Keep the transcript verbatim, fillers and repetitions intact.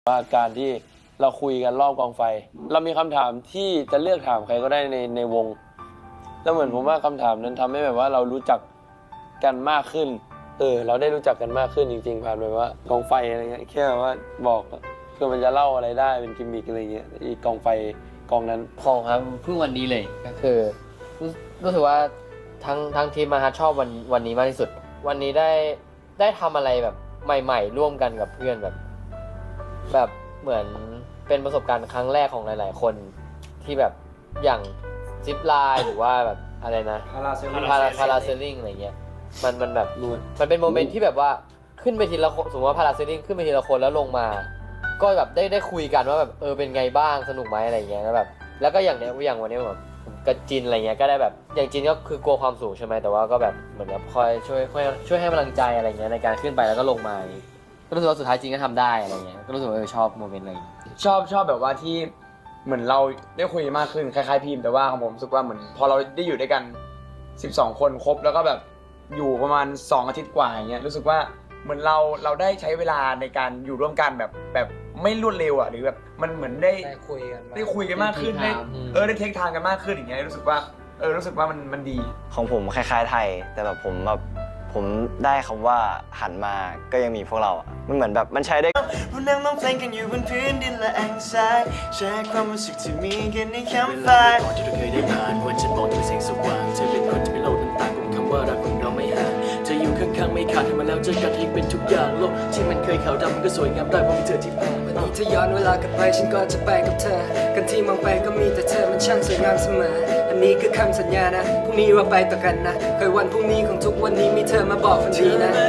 ว่าการที่เราคุยกันรอบกองไฟเรามีคำถามที่จะเลือกถามใครก็ได้ในในวงแล้วเหมือนผมว่าคำถามนั้นทำให้แบบว่าเรารู้จักกันมากขึ้นเออเราได้รู้จักกันมากขึ้นจริงๆผ่านแบบว่ากองไฟอะไรเงี้ยแค่แบบว่าบอกคือมันจะเล่าอะไรได้เป็นกิมมิคอะไรเงี้ยอีกกองไฟกองนั้นของครับเพิ่งวันนี้เลยก็คือรู้รู้สึกว่าทั้งทั้งทีมมาฮะชอบวันวันนี้มากที่สุดวันนี้ได้ได้ทำอะไรแบบใหม่ๆร่วมกันกับเพื่อนแบบแบบเหมือนเป็นประสบการณ์ครั้งแรกของหลายๆคนที่แบบอย่างซิปไลน์หรือว่าแบบอะไรนะพาราเซลลิงพาราพาราเซลลิงอะไรเงี้ยมันมันแบบมันเป็นโมเมนต์ที่แบบว่าขึ้นไปทีละคนสมมติว่าพาราเซลลิงขึ้นไปทีละคนแล้วลงมาก็แบบได้ได้คุยกันว่าแบบเออเป็นไงบ้างสนุกไหมอะไรเงี้ยแล้วแบบแล้วก็อย่างเนี้ยอย่างวันนี้แบบกับจินอะไรเงี้ยก็ได้แบบอย่างจินก็คือกลัวความสูงใช่ไหมแต่ว่าก็แบบเหมือนแบบคอยช่วยช่วยช่วยให้กำลังใจอะไรเงี้ยในการขึ้นไปแล้วก็ลงมาก็รู้สึกว่าสุดท้ายจริงก็ทำได้อะไรเงี้ยก็รู้สึกว่าเออชอบโมเมนต์อะไรชอบชอบแบบว่าที่เหมือนเราได้คุยมากขึ้นคล้ายๆพิมพ์แต่ว่าของผมรู้สึกว่าเหมือนพอเราได้อยู่ด้วยกันสิบสองคนครบแล้วก็แบบอยู่ประมาณสองอาทิตย์กว่าอย่างเงี้ยรู้สึกว่าเหมือนเราเราได้ใช้เวลาในการอยู่ร่วมกันแบบแบบไม่รวดเร็วอ่ะหรือแบบมันเหมือนได้ได้คุยกันได้คุยกันมากขึ้นได้เออได้เทคทางกันมากขึ้นอย่างเงี้ยรู้สึกว่าเออรู้สึกว่ามันมันดีของผมคล้ายๆไทยแต่แบบผมแบบผมได้คำว่าหันมาก็ยังมีพวกเราอ่ะมันเหมือนแบบมันใช้ได้เรานั่งร้องเพลงกันอยู่บนพื้นดินและแอ่งทรายแชร์ความรู้สึกที่มีกันในแคมป์ไฟก่อนที่เราเคยได้ผ่านวันฉันมองถึงแสงสว่างเธอเป็นคนที่ไม่โลดน้ำตาของคำว่ารักของเราไม่ห่างเธออยู่ข้างๆไม่ขาดให้มาแล้วเจอกันที่เป็นทุกอย่างโลกที่มันเคยขาวดำมันก็สวยงามได้เพราะมีเธอที่ผ่านวันนี้ถ้าย้อนเวลากลับไปฉันก็จะไปกับเธอกันที่มองไปก็มีแต่เธอมันช่างสวยงามเสมออันนี้คือคำสัญญานะพรุ่งนี้เราไปต่อกันนะเคยวันพรุ่งนี้ของทุกวันนี้มีเธอมาบอกฝันดีนะ